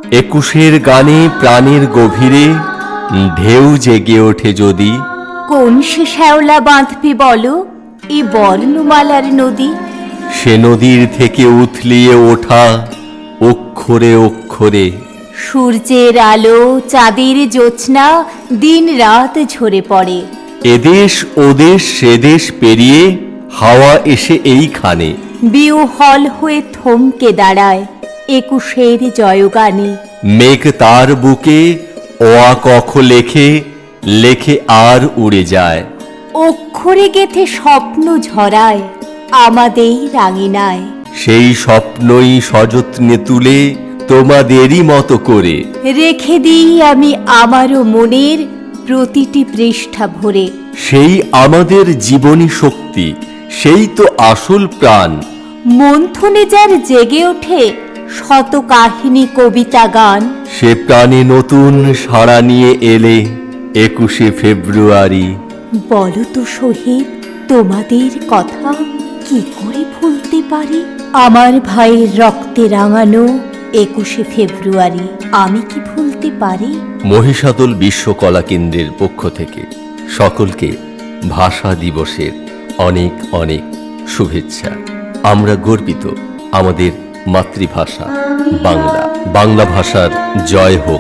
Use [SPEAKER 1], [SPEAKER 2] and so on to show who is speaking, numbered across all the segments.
[SPEAKER 1] একুশের গানে প্রাণের গভীরে ঢেউ জেগে ওঠে যদি।
[SPEAKER 2] কোন সে শ্যাওলা বাঁধবে বলো এ বর্ণমালার নদী?
[SPEAKER 1] সে নদীর থেকে উথলিয়ে ওঠা অক্ষরে অক্ষরে
[SPEAKER 2] সূর্যের আলো, চাঁদের জ্যোৎস্না দিন রাত ঝরে পড়ে।
[SPEAKER 1] এদেশ ওদেশ সেদেশ পেরিয়ে হাওয়া এসে এইখানে
[SPEAKER 2] বিহ্বল হয়ে থমকে দাঁড়ায় একুশের জয়গানে।
[SPEAKER 1] মেঘ তার বুকে অ কখ লেখে লেখে আর উড়ে যায়।
[SPEAKER 2] অক্ষরে গেথে স্বপ্ন ঝরায় আমাদের রাঙিনায়।
[SPEAKER 1] সেই স্বপ্নই সযত্নে তুলে তোমাদেরই মতো করে
[SPEAKER 2] রেখে দিই আমি আমারও মনের প্রতিটি পৃষ্ঠা ভরে।
[SPEAKER 1] সেই আমাদের জীবনী শক্তি, সেই তো আসল প্রাণ।
[SPEAKER 2] মন্থনে যার জেগে ওঠে শত কাহিনী কবিতা গান।
[SPEAKER 1] সে প্রাণে নতুন সাড়া নিয়ে এলে 21শে ফেব্রুয়ারি।
[SPEAKER 2] বলো তো শহীদ, তোমাদের কথা কি করে ভুলতে পারি? আমার ভাইয়ের রক্তে রাঙানো 21শে ফেব্রুয়ারি আমি কি ভুলতে পারি?
[SPEAKER 1] মহিষাদল বিশ্বকলা কেন্দ্রের পক্ষ থেকে সকলকে ভাষা দিবসের অনেক অনেক শুভেচ্ছা। আমরা গর্বিত আমাদের মাতৃভাষা বাংলা। বাংলা ভাষার জয় হোক।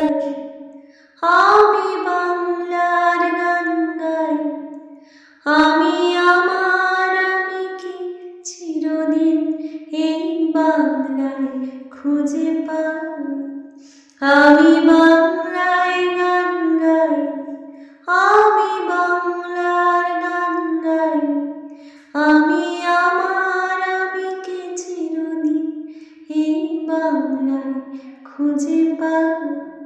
[SPEAKER 3] আমি বাংলার গান গাই, আমি আমার আমিকে চিরদিন এই বাংলায় খুঁজে পাই। আমি বাংলায় গান গাই, আমি বাংলার গান গাই, আমি আমার আমিকে চিরদিন এই বাংলায় খুঁজে পাই।